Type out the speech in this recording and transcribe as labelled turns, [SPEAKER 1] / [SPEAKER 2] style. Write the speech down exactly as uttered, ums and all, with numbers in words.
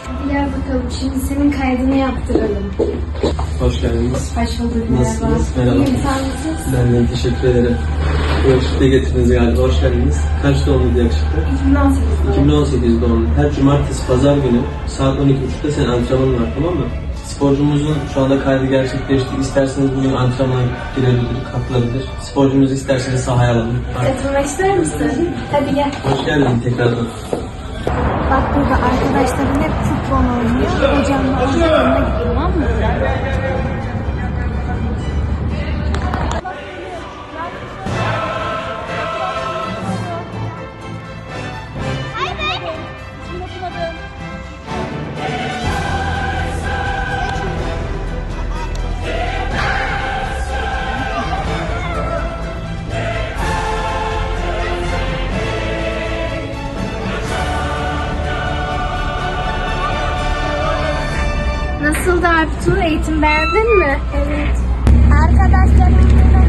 [SPEAKER 1] Hadi gel bakalım, şimdi senin kaydını yaptıralım.
[SPEAKER 2] Hoş geldiniz.
[SPEAKER 1] Hoş bulduk, merhaba.
[SPEAKER 2] Nasılsınız? Merhaba.
[SPEAKER 1] İyiyim, sen nasılsın?
[SPEAKER 2] Ben de teşekkür ederim. Bu yakışıklıya getirdiniz galiba. Hoş geldiniz. Kaç doğumlu yakışıklı?
[SPEAKER 1] iki bin on sekiz.
[SPEAKER 2] iki bin on sekiz doğumlu. Her cumartesi, pazar günü saat on iki buçukta senin antrenmanın var, tamam mı? Sporcumuzun şu anda kaydı gerçekleşti. İsterseniz bugün antrenmana girebilir, katılabilir. Sporcumuzu isterseniz sahaya alalım.
[SPEAKER 1] Katılmak ister misin? Hadi gel.
[SPEAKER 2] Hoş geldin tekrardan.
[SPEAKER 1] Bak burada arkadaşlarım hep futbol oynuyor. Hocamla orada yanına gidiyor, tamam mı? Nasıldı Artu? Eğitim beğendin mi? Evet.
[SPEAKER 3] Arkadaşlarımla